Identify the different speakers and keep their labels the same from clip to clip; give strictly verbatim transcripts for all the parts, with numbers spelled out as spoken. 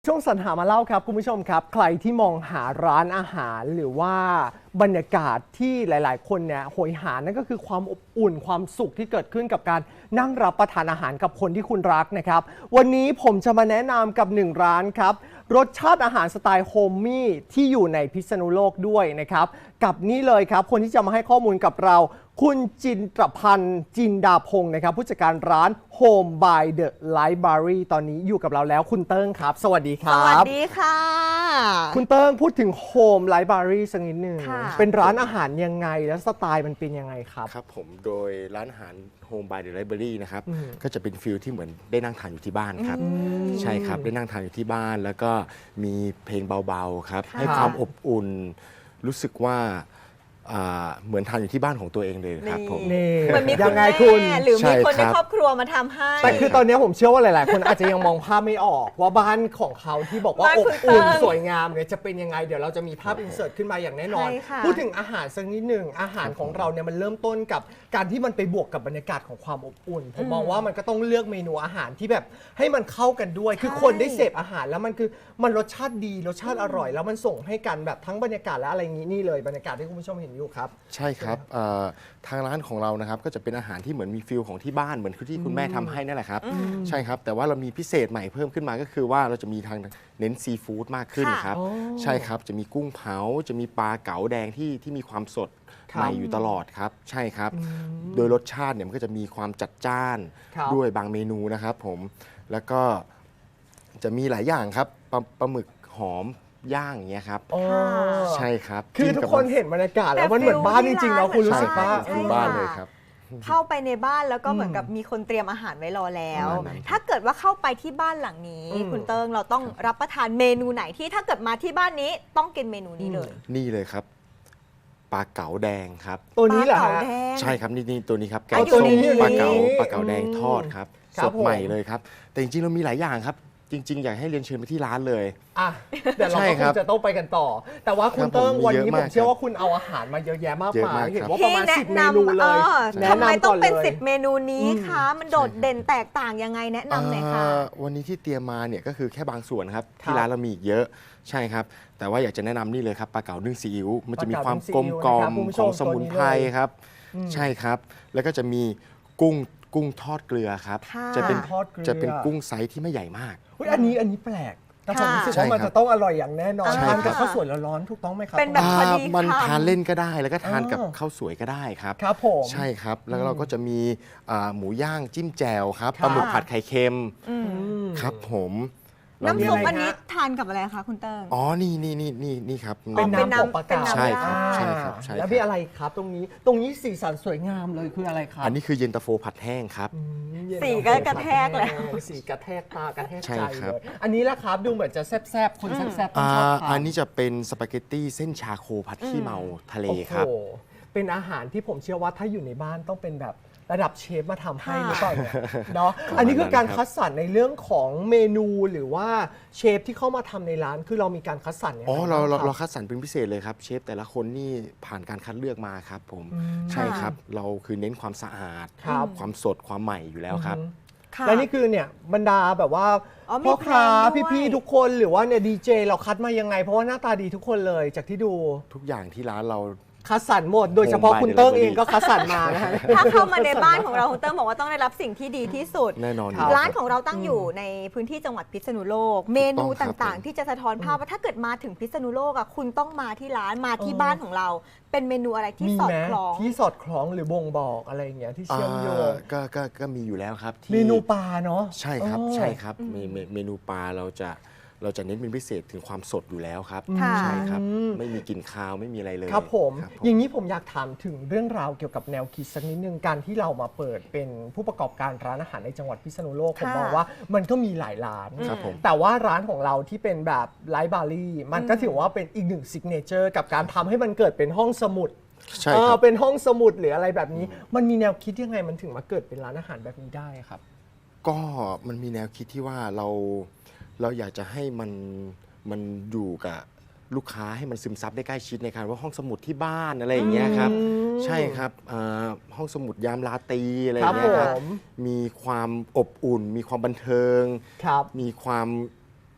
Speaker 1: ช่วงสรรหามาเล่าครับคุณผู้ชมครับใครที่มองหาร้านอาหารหรือว่าบรรยากาศที่หลายๆคนเนี่ยโหยหานั่นก็คือความอบอุ่นความสุขที่เกิดขึ้นกับการนั่งรับประทานอาหารกับคนที่คุณรักนะครับวันนี้ผมจะมาแนะนำกับหนึ่งร้านครับรสชาติอาหารสไตล์โฮมมี่ที่อยู่ในพิษณุโลกด้วยนะครับกับนี่เลยครับคนที่จะมาให้ข้อมูลกับเราคุณจินตรพันธ์จินดาพงศ์นะครับผู้จัดการร้าน Home by the Library ตอนนี้อยู่กับเราแล้วคุณเติ้งครับสวัสดีครับ
Speaker 2: สวัสดีค่ะ
Speaker 1: คุณเติ้งพูดถึง Home Library สักนิดหนึ่ง
Speaker 2: ค่ะ
Speaker 1: เป็นร้านอาหารยังไงแล้วสไตล์มันเป็นยังไงครับ
Speaker 3: ครับผมโดยร้านอาหาร Home by the Library นะครับ
Speaker 1: อืม
Speaker 3: ก็จะเป็นฟิลที่เหมือนได้นั่งทานอยู่ที่บ้านครับใช่ครับได้นั่งทานอยู่ที่บ้านแล้วก็มีเพลงเบาๆครับให้ความอบอุ่นรู้สึกว่าอ่าเหมือนทานอยู่ที่บ้านของตัวเองเลยครับผม
Speaker 1: นี่
Speaker 2: เหมือนมี
Speaker 1: ยั
Speaker 2: คุณ
Speaker 1: งไง
Speaker 2: แม่
Speaker 1: คุณ
Speaker 2: หรือ
Speaker 3: ใช่
Speaker 2: มีคนใน
Speaker 3: ครับ
Speaker 2: ครอบครัวมาทำให้
Speaker 1: แต่คือตอนนี้ผมเชื่อว่าหลายๆ คนอาจจะยังมองภาพไม่ออกว่าบ้านของเขาที่บอกว่า
Speaker 2: บ้าน
Speaker 1: อบ
Speaker 2: คุณ
Speaker 1: อุ่น
Speaker 2: เติ้ง
Speaker 1: สวยงามเนี่ยจะเป็นยังไงเดี๋ยวเราจะมีภาพอินเสิร์ตขึ้นมาอย่างแน่นอน
Speaker 2: ใช่ค่ะ
Speaker 1: พูดถึงอาหารสักนิดหนึ่งอาหารของเราเนี่ยมันเริ่มต้นกับการที่มันไปบวกกับบรรยากาศของความอบอุ่นผมมองว่ามันก็ต้องเลือกเมนูอาหารที่แบบให้มันเข้ากันด้วย คือคนได้เสพอาหารแล้วมันคือมันรสชาติดีรสชาติอร่อย แล้วมันส่งให้กันแบบทั้งบรรยากาศและอะไรอย่างนี้นี่เลยบรรยากาศที่คุณผู้ชมเห็นอยู่ครับ
Speaker 3: ใช่ครับเอ่อทางร้านของเรานะครับก็จะเป็นอาหารที่เหมือนมีฟิลของที่บ้านเหมือนที่คุณแม่ทำให้นั่นแหละครับใช่ครับแต่ว่าเรามีพิเศษใหม่เพิ่มขึ้นมาก็คือว่าเราจะมีทางเน้นซีฟู้ดมากขึ้น
Speaker 2: ค่ะ
Speaker 3: ครับ
Speaker 1: อ๋อ
Speaker 3: ใช่ครับจะมีกุ้งเผาจะมีปลาเก๋าแดงที่ที่มีความสด
Speaker 1: ครับ
Speaker 3: ใหม่อยู่ตลอดครับใช่ครับโดยรสชาติเนี่ยมันก็จะมีความจัดจ้าน
Speaker 1: ครับ
Speaker 3: ด้วยบางเมนูนะครับผมแล้วก็จะมีหลายอย่างครับปลาปลาหมึกหอมย่างอย่างเงี้ยครับ
Speaker 1: อ๋อ
Speaker 3: ใช่ครับ
Speaker 1: คือ
Speaker 3: จิ้ม
Speaker 1: ทุก
Speaker 3: กับ
Speaker 1: คนเห็นบรรยากาศแล้วมันเหมือนบ้านจริงๆเนาะคุณรู้สึกว่า
Speaker 3: ใช่ครับคือบ้านเลยครับ
Speaker 2: เข้าไปในบ้านแล้วก็เหมือนกับมีคนเตรียมอาหารไว้รอแล้ว
Speaker 3: ประมาณนั้น
Speaker 2: ถ้าเกิดว่าเข้าไปที่บ้านหลังนี้
Speaker 1: อืม
Speaker 2: คุณเติงเราต้องรับประทานเมนูไหนที่ถ้าเกิดมาที่บ้านนี้ต้องกินเมนูนี้เลย
Speaker 3: นี่เลยครับปลาเก๋าแดงครับ
Speaker 1: ตัวนี้เหรอ
Speaker 2: ปลา
Speaker 1: ฮะ
Speaker 2: เก๋าแดง
Speaker 3: ใช่ครับนี่นี่ตัวนี้ครับแก
Speaker 2: อ่ะ
Speaker 3: ง
Speaker 2: อยู่
Speaker 3: ส้
Speaker 2: ใน
Speaker 3: ม
Speaker 2: นี้
Speaker 3: ปลาเก๋า
Speaker 1: อยู่ในนี้
Speaker 3: ปลาเก๋าแดงทอดครับ
Speaker 1: ครับ
Speaker 3: สดใหม่
Speaker 1: ผม
Speaker 3: เลยครับ แต่จริงๆเรามีหลายอย่างครับ จริง ๆ อยากให้เรียนเชิญไปที่ร้านเลย
Speaker 1: อ่ะเดี๋ยวเรา
Speaker 3: ใช่
Speaker 1: ก็
Speaker 3: ค
Speaker 1: ครับ งจะต้องไปกันต่อ แต่ว่าคุณ
Speaker 3: ครับ
Speaker 1: เติ้ง
Speaker 3: ผม
Speaker 1: วัน
Speaker 3: มี
Speaker 1: นี้
Speaker 3: เยอะ
Speaker 1: ผม
Speaker 3: มาก
Speaker 1: เชื่อ
Speaker 3: ครับ
Speaker 1: ว่าคุณเอาอาหารมาเยอะแยะมาก
Speaker 3: เยอะาย ก
Speaker 1: มามเห็น
Speaker 3: ครับ
Speaker 1: ว่าประ
Speaker 2: ที่
Speaker 1: มาณ
Speaker 2: แนะ
Speaker 1: สิบเม
Speaker 2: นำ
Speaker 1: นูเลย
Speaker 2: เออ
Speaker 1: แนะ
Speaker 2: ทำไม
Speaker 1: นำ
Speaker 2: ต้
Speaker 1: ก่
Speaker 2: อ
Speaker 1: อง น
Speaker 2: เป็น
Speaker 1: เลย
Speaker 2: สิบเมนูนี้คะมันโดดเด่นแตกต่างยังไงแนะนำหน่อยค่ะ
Speaker 3: เอ่อวันนี้ที่เตรียมมาเนี่ยก็คือแค่บางส่วนครับ
Speaker 1: ครับ
Speaker 3: ที่ร้านเรามีอีกเยอะใช่ครับ แต่ว่าอยากจะแนะนำนี่เลยครับปลาเก๋านึ่งซีอิ๊วมันจะมี
Speaker 1: ปลา
Speaker 3: ความ
Speaker 1: เก๋านึ่งซีอิ๊ว
Speaker 3: กลมกล่อ
Speaker 1: นะครับ
Speaker 3: ม
Speaker 1: คุณผู้ช
Speaker 3: ข
Speaker 1: ม
Speaker 3: องสมุนไพร
Speaker 1: ตัวนี้เลย
Speaker 3: ครับ ใช่ครับ แล้วก็จะมีกุ้งกุ้งทอดเกลือครับ
Speaker 2: ค่ะ
Speaker 3: จะเป็น
Speaker 1: ทอดเกลือ
Speaker 3: จะเป็นกุ้งไซส์ที่ไม่ใหญ่มาก
Speaker 1: เฮ้ยอันนี้อันนี้แปลกแต่ผม
Speaker 2: ค่ะ
Speaker 1: รู้สึก
Speaker 3: ใช่
Speaker 1: ว่ามัน
Speaker 3: ครับ
Speaker 1: จะต้องอร่อยอย่างแน่นอน
Speaker 2: ใช่
Speaker 1: ทานกับ
Speaker 2: ครับ
Speaker 1: ข้าวสวยร้อนๆถูกต้องไหมครับ
Speaker 2: เป็นแบบ พอดี
Speaker 3: อ่ามัน
Speaker 2: คำ
Speaker 3: ทานเล่นก็ได้แล้วก็ทานกับ
Speaker 1: อ๋อ
Speaker 3: ข้าวสวยก็ได้ครับ
Speaker 1: ครับผม
Speaker 3: ใช่ครับ แล้วเราก็จะมีอ่าหมูย่างจิ้มแจ่วครับ
Speaker 1: ครับ
Speaker 3: ปลาหมึกผัดไข่เค็ม
Speaker 2: อืม
Speaker 1: อืม
Speaker 3: ครับผมเรา
Speaker 2: น้ำ
Speaker 3: มี
Speaker 2: ซุป
Speaker 1: อะไร
Speaker 2: อันนี้
Speaker 1: ฮะ
Speaker 2: ทานกับอะไรคะคุณเติง
Speaker 3: อ๋อนี่นี่นี่นี่นี่ครับ
Speaker 1: เป็น
Speaker 2: เป็น
Speaker 1: น้ำ
Speaker 2: น้ำ
Speaker 1: ของปลา
Speaker 2: เป็น
Speaker 1: เก๋า
Speaker 2: น้ำ
Speaker 3: ใช่ครับ
Speaker 1: อ่า
Speaker 3: ใช่ครับใช่
Speaker 1: แล้ว
Speaker 3: ครับ
Speaker 1: มีอะไรครับตรงนี้ ตรงนี้สีสันสวยงามเลยคืออะไรครับ
Speaker 3: อันนี้คือเย็นตาโฟผัดแห้งครับ
Speaker 1: อืมเย็น
Speaker 2: สีก็กระแทกแล้ว
Speaker 1: สีกระแทกตากระแทก
Speaker 3: ใช่
Speaker 1: ใจ
Speaker 3: ครับ
Speaker 1: เลยอันนี้ละครับดูเหมือนจะแซ่บๆคนแซ่บๆต้อง
Speaker 3: อ่า
Speaker 1: ชอบทาน
Speaker 3: อันนี้จะเป็นสปาเกตตี้เส้นชาโคผัดขี้เมาทะเลครับ
Speaker 1: โอ้โหเป็นอาหารที่ผมเชื่อว่าถ้าอยู่ในบ้านต้องเป็นแบบระดับเชฟมาทำให้หรือเปล่าเนี่ยเนาะ
Speaker 3: ประมาณ
Speaker 1: อันนี้คือการ
Speaker 3: นั้นครับ
Speaker 1: คัดสรรในเรื่องของเมนูหรือว่าเชฟที่เข้ามาทำในร้านคือเรามีการคัดสรรยังไง
Speaker 3: อ๋อเราเรา
Speaker 1: บ้งค
Speaker 3: เรา
Speaker 1: บ
Speaker 3: คัดสรรเป็นพิเศษเลยครับเชฟแต่ละคนนี่ผ่านการคัดเลือกมาครับผม
Speaker 1: อืม
Speaker 3: ใช่ครับเราคือเน้นความสะอาด
Speaker 1: ครับ
Speaker 3: ความสดความใหม่อยู่แล้วครับ
Speaker 2: ค่ะ
Speaker 1: และนี่คือเนี่ยบรรดาแบบว่า
Speaker 2: อ๋อมี
Speaker 1: พ่อค้า
Speaker 2: เพลงด้วย
Speaker 1: พี่ๆทุกคนหรือว่าเนี่ยดีเจเราคัดมายังไง เพราะว่าหน้าตาดีทุกคนเลยจากที่ดู
Speaker 3: ทุกอย่างที่ร้านเรา
Speaker 1: คัดสรรหมด โดยเฉพาะ
Speaker 3: Home by
Speaker 1: คุณ
Speaker 3: the
Speaker 1: เติ้ง
Speaker 3: Library
Speaker 1: เองก็คัดสรรมานะฮะ
Speaker 2: ถ้าเข้ามาในบ้านของเราคุณเติงบอกว่าต้องได้รับสิ่งที่ดีที่สุด
Speaker 3: แน่นอนอยู่
Speaker 1: ครับ
Speaker 3: แล้ว
Speaker 2: ร้าน
Speaker 3: คบ
Speaker 2: ของเราตั้งอยู่ในพื้นที่จังหวัดพิษณุโลก เมนู
Speaker 3: ถูกต้องครับ
Speaker 2: ต่าง
Speaker 3: ผม
Speaker 2: ๆ ที่จะสะท้อนภาพว่าถ้าเกิดมาถึงพิษณุโลกอ่ะคุณต้องมาที่ร้านมาที่
Speaker 1: เออ
Speaker 2: บ้านของเรา เป็นเมนูอะไรที่
Speaker 1: มี
Speaker 2: สอด
Speaker 1: ไหม
Speaker 2: คล้อง
Speaker 1: ที่สอดคล้องหรือบ่งบอกอะไรอย่างเงี้ยที่เชื่อมโยง
Speaker 3: อ่าก็ก็ก็มีอยู่แล้วครับที่
Speaker 1: เมนูปลาเนาะ
Speaker 3: ใช่ครับ
Speaker 1: เออ
Speaker 3: ใช่ครับเมเมเมนูปลาเราจะเราจะเน้นเป็นพิเศษถึงความสดอยู่แล้วครับ
Speaker 2: ค่ะ
Speaker 3: ใช่ครับ
Speaker 1: อืม
Speaker 3: ไม่มีกลิ่นคาวไม่มีอะไรเลย
Speaker 1: ครับผม
Speaker 3: ครับผม
Speaker 1: อย่างนี้ผมอยากถามถึงเรื่องราวเกี่ยวกับแนวคิดสักนิดนึงการที่เรามาเปิดเป็นผู้ประกอบการร้านอาหารในจังหวัดพิษณุโลกผม
Speaker 2: ค่ะ
Speaker 1: มองว่ามันก็มีหลายร้าน
Speaker 3: ครับผม
Speaker 1: แต่ว่าร้านของเราที่เป็นแบบไลฟ์บารี่มันก็ถือว่าเป็นอีกหนึ่งซิกเนเจอร์กับการทำให้มันเกิดเป็นห้องสมุด
Speaker 3: ใช่
Speaker 1: เอ
Speaker 3: ค
Speaker 1: อ
Speaker 3: รับ
Speaker 1: เป็นห้องสมุดหรืออะไรแบบนี้ มันมีแนวคิดยังไงมันถึงมาเกิดเป็นร้านอาหารแบบนี้ได้ครับ
Speaker 3: ก็มันมีแนวคิดที่ว่าเราเราอยากจะให้มันมันอยู่กับลูกค้าให้มันซึมซับได้ใกล้ชิดในการว่าห้องสมุดที่บ้านอะไรอย่างเงี้ยครับ
Speaker 1: อืม
Speaker 3: ใช่ครับอ่าห้องสมุดยามราตรีอะไรอย่างเงี้ย
Speaker 1: ค
Speaker 3: ค
Speaker 1: รั
Speaker 3: รั
Speaker 1: บบ ผม
Speaker 3: มีความอบอุ่น มีความบันเทิง
Speaker 1: ครับ
Speaker 3: มีความ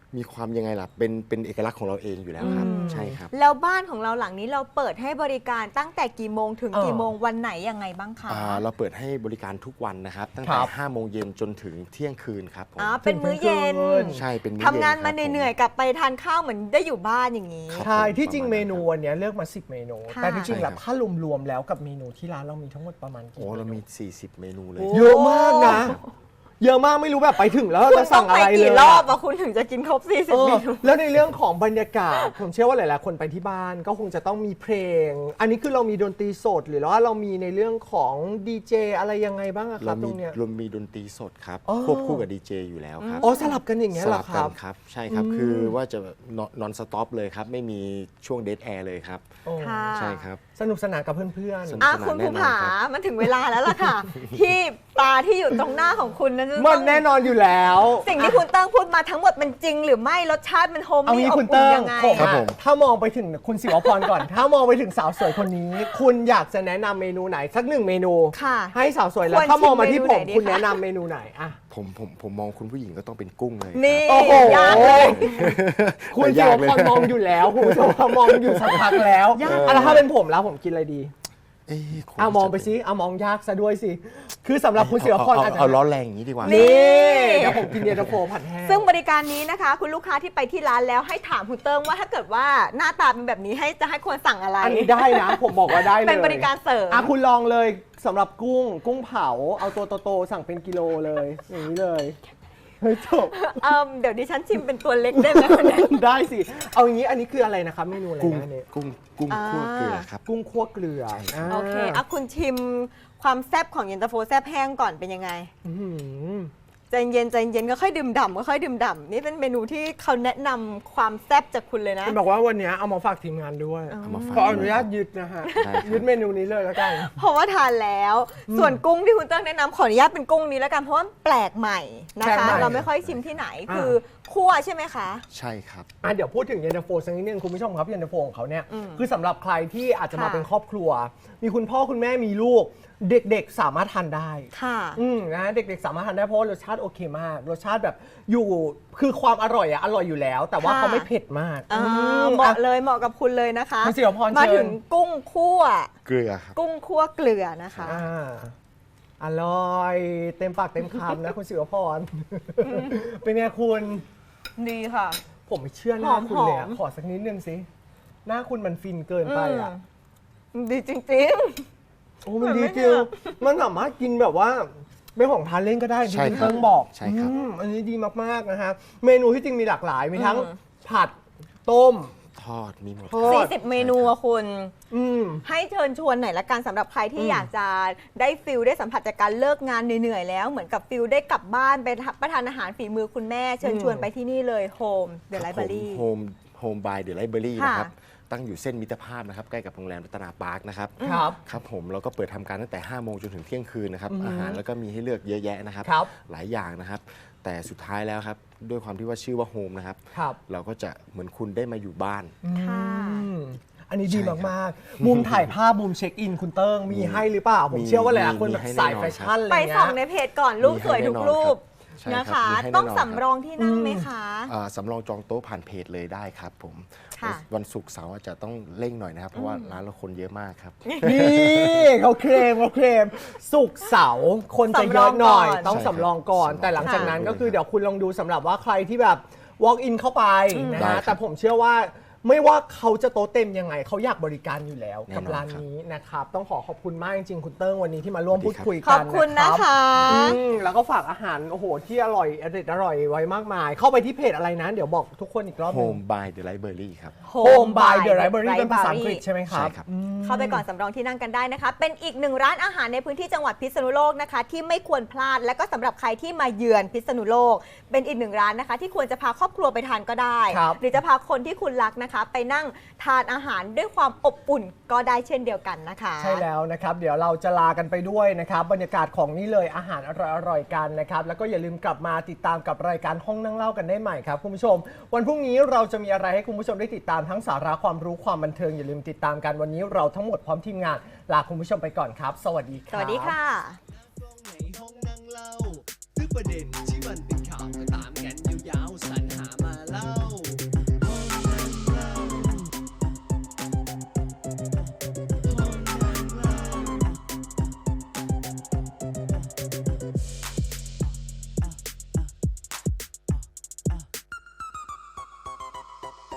Speaker 3: มีความยังไงล่ะเป็นเป็นเอกลักษณ์ของเราเองอยู่แล้วครับ
Speaker 2: อืม
Speaker 3: ใช่ครับ
Speaker 2: แล้วบ้านของเราหลังนี้เราเปิดให้บริการตั้งแต่กี่โมงถึง
Speaker 1: เออ
Speaker 2: กี่โมงวันไหนยังไงบ้างคะ
Speaker 3: อ่าเราเปิดให้บริการทุกวันนะครับ ตั้ง
Speaker 1: ค
Speaker 3: แต่
Speaker 1: รับ
Speaker 3: ห้าโมงเย็นจนถึงเที่ยงคืนครับผม
Speaker 2: อ๋อเป็นมื้อเย็น
Speaker 3: ใช่เป็นมื้อ
Speaker 2: ทำงาน
Speaker 3: ย็
Speaker 2: มา
Speaker 3: ครับ
Speaker 2: เหนื่อยๆกลับไปทานข้าวเหมือนได้อยู่บ้านอย่างนี้
Speaker 3: ครับ
Speaker 1: ใช่
Speaker 3: ผม
Speaker 1: ที่จริง
Speaker 3: ประมาณ
Speaker 1: เมนู
Speaker 3: นั้นครับ
Speaker 1: วันนี้เลือกมา สิบ เมนู
Speaker 2: ค่ะ
Speaker 1: แต่ที่จริง
Speaker 3: ใช่
Speaker 1: แล้ว
Speaker 3: ครับ
Speaker 1: ถ้ารวมๆแล้วกับเมนูที่ร้านเรามีทั้งหมดประมาณกี่
Speaker 3: โอ้เรามี
Speaker 1: มนู
Speaker 3: สี่สิบ เมนูเลย
Speaker 2: โอ้
Speaker 1: เยอะมากนะ เยอะมากไม่รู้แบบไปถึงแล้ว
Speaker 2: คุณ
Speaker 1: จะ
Speaker 2: ต้
Speaker 1: สั่
Speaker 2: อง
Speaker 1: ง
Speaker 2: ไป
Speaker 1: อะไรเลย
Speaker 2: กี่รอบ
Speaker 1: อะ
Speaker 2: อะคุณถึงจะกินครบ สี่สิบ
Speaker 1: เออ
Speaker 2: เมนู
Speaker 1: แล้วในเรื่องของบรรยากาศ ผมเชื่อว่าหลาย ๆ คนไปที่บ้านก็คงจะต้องมีเพลง อันนี้คือเรามีดนตรีสดหรือว่าเรามีในเรื่องของดีเจอะไรยังไงบ้างอะครั
Speaker 3: เรา
Speaker 1: บตร
Speaker 3: มี
Speaker 1: งเนี้ย
Speaker 3: เรามีดนตรีสดครับ
Speaker 1: อ๋อ
Speaker 3: ควบคู่กับดีเจอยู่แล้วครับ
Speaker 1: อ๋อสลับกันอย่างเงี้ย
Speaker 3: ส
Speaker 1: เหร
Speaker 3: ลั
Speaker 1: อบ ค
Speaker 3: กั
Speaker 1: รั
Speaker 3: น
Speaker 1: บ
Speaker 3: ครับ ใช่ครับ
Speaker 1: อืม
Speaker 3: คือว่าจะนอนสต็อปเลยครับ ไม่มีช่วงเดทแอร์เลยครับ
Speaker 1: โอ้
Speaker 2: ค่ะ
Speaker 3: ใช่ครับ
Speaker 1: สนุกสนานกับเพื่อน
Speaker 3: สนุก
Speaker 2: อ่ะ
Speaker 3: สนาน
Speaker 2: คุณ
Speaker 3: แน่
Speaker 2: ภู
Speaker 3: นอน
Speaker 2: ผา
Speaker 3: ครับ
Speaker 2: มันถึงเวลาแล้วล่ะค่ะ ที่ปลาที่อยู่ตรงหน้าของคุณนั้นจะ
Speaker 1: ๆ
Speaker 2: ต้
Speaker 1: มั
Speaker 2: อน ง
Speaker 1: แน่นอนอยู่แล้ว
Speaker 2: สิ่งที่คุณเติ้งพูดมาทั้งหมดมันจริงหรือไม่รสชาติมันโฮม
Speaker 1: เอา
Speaker 2: มี่
Speaker 1: งี้
Speaker 2: อบ
Speaker 1: คุณ
Speaker 2: อุ่น
Speaker 1: เติ้ง
Speaker 2: ยังไง
Speaker 1: ผม
Speaker 3: ครับ
Speaker 1: อะ
Speaker 3: ผม
Speaker 1: ถ้ามองไปถึงคุณศิวพรก่อน ถ้ามองไปถึงสาวสวยคนนี้ คุณอยากจะแนะนำเมนูไหนสักหนึ่งเมนู
Speaker 2: ค่ะ
Speaker 1: ให้สาวสวยแล้ว
Speaker 2: ควร
Speaker 1: ถ้ามองมาที่ผม
Speaker 2: ชิมเมนูไหนดี
Speaker 1: คุณ
Speaker 2: คะ
Speaker 1: แนะนำเมนูไหนอะ
Speaker 3: ผมผมผมมองคุณผู้หญิงก็ต้องเป็นกุ้งเลยครับ
Speaker 2: นี่
Speaker 1: โอ้โห
Speaker 2: ยากเลย
Speaker 1: คุณ
Speaker 3: แต่
Speaker 1: ศิ
Speaker 3: ยาว กเลย
Speaker 1: พรมองอยู่แล้วคุณศิวพรมองอยู่สักพักแล้ว
Speaker 2: ยาก
Speaker 1: อ่ะแล้วถ้าเป็นผมแล้วผมกินอะไรดี
Speaker 3: เอ้ยคง
Speaker 1: อ่ะมองไป
Speaker 3: จะ
Speaker 1: สิอ่ะมองยากซะด้วยสิคือสำหรับคุณศิวพร
Speaker 3: เอา
Speaker 1: อาจจะ
Speaker 3: เอาร้อนแรงอย่างนี้ดีกว่า
Speaker 1: นี่เดี๋ยวผมกินเย็นตาโฟผัดแห้ง
Speaker 2: ซึ่งบริการนี้นะคะ คุณลูกค้าที่ไปที่ร้านแล้วให้ถามคุณเติ้งว่าถ้าเกิดว่าหน้าตาเป็นแบบนี้ให้จะให้ควรสั่งอะไร
Speaker 1: อันนี้ได้นะ ผมบอกว่าได้เลย
Speaker 2: เป็นบริการเสริม
Speaker 1: อ่ะคุณลองเลยสำหรับกุ้ง กุ้งเผา เอาตัวโตๆสั่งเป็นกิโลเลย อย่างนี้เลยเฮ้ยจบ
Speaker 2: เอิ่มเดี๋ยวดิฉันชิมเป็นตัวเล็กได้ไหมคุณแม่
Speaker 1: ได้สิ เอาอย่างนี้อันนี้คืออะไรนะครับเมนูอะไร
Speaker 3: กุ้ง
Speaker 1: นะเนี่ย
Speaker 3: กุ้งกุ้ง
Speaker 2: อ่า
Speaker 3: คั่วเกลือครับ
Speaker 1: กุ้งคั่วเกลืออ่า
Speaker 2: โอเคอ่ะคุณชิมความแซ่บของเย็นตาโฟแซ่บแห้งก่อนเป็นยังไง
Speaker 1: อื้อหือ
Speaker 2: ใจเย็นใจเย็นก็ค่อยดื่มด่ำก็ค่อยดื่มด่ำนี่เป็นเมนูที่เขาแนะนำความแซ่บจากคุณเลยนะ
Speaker 1: คุณบอกว่าวันนี้เอามาฝากทีมงานด้วย
Speaker 3: เอามาฝาก
Speaker 1: ขออนุญาตยึดนะฮะ
Speaker 3: ได้ครับ
Speaker 1: ยึดเมนูนี้เลยแล้วกัน
Speaker 2: เพราะว่าทานแล้ว ส่วนกุ้งที่คุณเติ้งแนะนำขออนุญาตเป็นกุ้งนี้แล้วกันเพราะว่ามันแปลกใหม่นะ
Speaker 1: แปลก
Speaker 2: คะ
Speaker 1: ใหม่
Speaker 2: เราไม่ค่อยชิมที่ไหน
Speaker 1: อ่า
Speaker 2: คือคั่วใช่ไหมคะ
Speaker 3: ใช่ครับ
Speaker 1: อ่ะเดี๋ยวพูดถึงเย็นตาโฟสักนิดนึงคุณผู้ชมครับเย็นตาโฟของเขาเนี่ย
Speaker 2: อืม
Speaker 1: คือสำหรับใครที่อาจจะมา
Speaker 2: ค่ะ
Speaker 1: เป็นครอบครัว มีคุณพ่อคุณแม่มีลูก เด็กๆสามารถทานได้
Speaker 2: ค่ะ
Speaker 1: อืมนะเด็กๆสามารถทานได้เพราะว่ารสชาติโอเคมาก รสชาติแบบอยู่คือความอร่อยอะอร่อยอยู่แล้ว แต่ว่า
Speaker 2: ค่ะ
Speaker 1: เขาไม่เผ็ดมาก
Speaker 2: อ่า
Speaker 1: อืม
Speaker 2: เหมาะ
Speaker 1: อ่ะ
Speaker 2: เลยเหมาะกับคุณเลยนะคะ
Speaker 1: คุณศิวพร
Speaker 2: มา
Speaker 1: เชิญ
Speaker 2: ถึงกุ้งคั่ว
Speaker 3: เกลือครับ
Speaker 2: กุ้งคั่วเกลือนะคะ
Speaker 1: อ่าอร่อยเต็มปากเต็มคำนะคุณศิวพร เป็นไงคุณ
Speaker 2: ดีค่ะ
Speaker 1: ผมไม่เชื่อหน้าคุณเลยอะ
Speaker 2: หอมๆ
Speaker 1: ขอสักนิดนึงสิหน้าคุณมันฟินเกินไปอะ
Speaker 2: อืมดีจริง
Speaker 1: โอ้มันดี
Speaker 2: เหมือนไม่
Speaker 1: จริง
Speaker 2: เชื่อ
Speaker 1: มันสามารถกินแบบว่าเป็นของทานเล่นก็ได้ที่
Speaker 3: ใช่
Speaker 1: คุณ
Speaker 3: ครับ
Speaker 1: เติ้งบอก
Speaker 3: ใช่ครับ
Speaker 1: อืมอันนี้ดีมากๆนะฮะเมนูที่จริงมีหลากหลาย มีทั้ง
Speaker 2: อืม
Speaker 1: ผัดต้ม
Speaker 3: ทอดมีหมด
Speaker 1: ทอด
Speaker 2: ๆ สี่สิบ เมนูอะคุณ
Speaker 1: อืม
Speaker 2: ให้เชิญชวนหน่อยละกันสำหรับใครที่
Speaker 1: อืม
Speaker 2: อยากจะได้ฟิลได้สัมผัสจากการเลิกงานเหนื่อยๆแล้ว เหมือนกับฟิลได้กลับบ้านไปรับประทานอาหารฝีมือคุณแม่ เชิญชวนไปที่นี่เลยโฮมเดอะไลบรารี
Speaker 3: โฮมโฮมบายเดอะไลบรารี
Speaker 2: ค่ะ
Speaker 3: นะครับ ตั้งอยู่เส้นมิตรภาพนะครับ ใกล้กับโรงแรมรัตนาปาร์คนะครับ
Speaker 1: ครับ
Speaker 3: ครับผมเราก็เปิดทำการตั้งแต่ห้าโมงจนถึงเที่ยงคืนนะครับ
Speaker 1: อือฮึ
Speaker 3: อาหารแล้วก็มีให้เลือกเยอะแยะนะครับ
Speaker 1: ครับ
Speaker 3: หลายอย่างนะครับ แต่สุดท้ายแล้วครับ ด้วยความที่ว่าชื่อว่าโฮมนะครับ
Speaker 1: ครับ
Speaker 3: เราก็จะเหมือนคุณได้มาอยู่บ้าน
Speaker 2: ค่ะ
Speaker 1: อืมอันนี้ดี
Speaker 3: ใช่ครับ
Speaker 1: มากๆ มุมถ่ายภาพมุมเช็คอินคุณเติ้งมี
Speaker 3: มี
Speaker 1: ให้หรือเปล่า ผม
Speaker 3: มี
Speaker 1: เชื่อว่าหลายๆคน
Speaker 3: มี
Speaker 1: แบบ
Speaker 3: ให้
Speaker 1: สาย
Speaker 3: แน่นอน
Speaker 1: แฟชั่นอะไร
Speaker 2: ไป
Speaker 1: เงี้
Speaker 2: ส่อง
Speaker 1: ย
Speaker 2: ในเพจก่อนรูปสวยทุกรูป
Speaker 3: ใช่
Speaker 2: นะ
Speaker 3: ครั
Speaker 2: คะ
Speaker 3: บมีให้แน่นอน
Speaker 2: ต้อง
Speaker 3: ครับ
Speaker 2: สำรองที่นั่งไหมคะ
Speaker 3: อ่าสำรองจองโต๊ะผ่านเพจเลยได้ครับผม
Speaker 2: ค่ะ
Speaker 3: วันศุกร์เสาร์อาจจะต้องเร่งหน่อยนะครับ เพราะว่าร้านเราคนเยอะมากครับ
Speaker 1: นี่เขาเคลมเขาเคลมสุกร์เสาร์คนจะเยอะหน่อย
Speaker 2: สำรองก่อน
Speaker 1: ต้อง
Speaker 3: ใช่ครับ
Speaker 1: สำรองก่อน
Speaker 3: สำรอง
Speaker 1: แต่หลังจากนั้น
Speaker 3: ค่ะ
Speaker 1: ก็คือเดี๋ยวคุณลองดูสำหรับว่าใครที่แบบ walk in เข้าไปนะ
Speaker 3: ได้ครั
Speaker 1: ฮะ
Speaker 3: บ
Speaker 1: แต่ผมเชื่อว่าไม่ว่าเขาจะโต๊ะเต็มยังไง เขาอยากบริการอยู่แล้ว
Speaker 3: แน่นอน
Speaker 1: กับร้าน
Speaker 3: ครับ
Speaker 1: นี้นะครับ ต้องขอขอบคุณมากจริงๆคุณเติ้งวันนี้ที่มาร่วม
Speaker 3: สวัสดี
Speaker 1: พูด
Speaker 3: ครับ
Speaker 1: คุย
Speaker 2: ข
Speaker 1: กั
Speaker 2: อน บคุณ
Speaker 1: นะ
Speaker 2: นะครับ คะ
Speaker 1: อืมแล้วก็ฝากอาหารโอ้โหที่อร่อยอร่อยอร่อยไว้มากมาย เข้าไปที่เพจอะไรนะ เดี๋ยวบอกทุกคนอีกรอบหนึง
Speaker 3: Home by the Library ครับ
Speaker 1: Home by the Library เป็นภาษาอังกฤษใช่ไหมครับ
Speaker 3: ใช่ครับ
Speaker 1: อืม
Speaker 2: เข้าไปก่อนสำรองที่นั่งกันได้นะคะ เป็นอีกหนึ่งร้านอาหารในพื้นที่จังหวัดพิษณุโลกนะคะ ที่ไม่ควรพลาด และก็สำหรับใครที่มาเยือนพิษณุโลก เป็นอีกหนึ่งร้านนะคะ ที่ควรจะพาครอบครัวไปทานก็ได้
Speaker 1: ครับ
Speaker 2: หรือจะพาคนที่คุณรักนะคะ ไปนั่งทานอาหารด้วยความอบอุ่นก็ได้เช่นเดียวกันนะคะ
Speaker 1: ใช่แล้วนะครับ เดี๋ยวเราจะลากันไปด้วยนะครับ บรรยากาศของนี่เลยอาหารอร่อยๆกันนะครับ แล้วก็อย่าลืมกลับมาติดตามกับรายการห้องนั่งเล่ากันได้ใหม่ครับคุณผู้ชม วันพรุ่งนี้เราจะมีอะไรให้คุณผู้ชมได้ติดตามทั้งสาระความรู้ความบันเทิงอย่าลืมติดตามกันวันนี้เราทั้งหมดพร้อมทีมงานลาคุณผู้ชมไปก่อนครับ สวัสดีค
Speaker 2: ส
Speaker 1: รับ
Speaker 2: วัสดีค่ะ
Speaker 4: ในห้องนั่งเล่าทุกประเด็น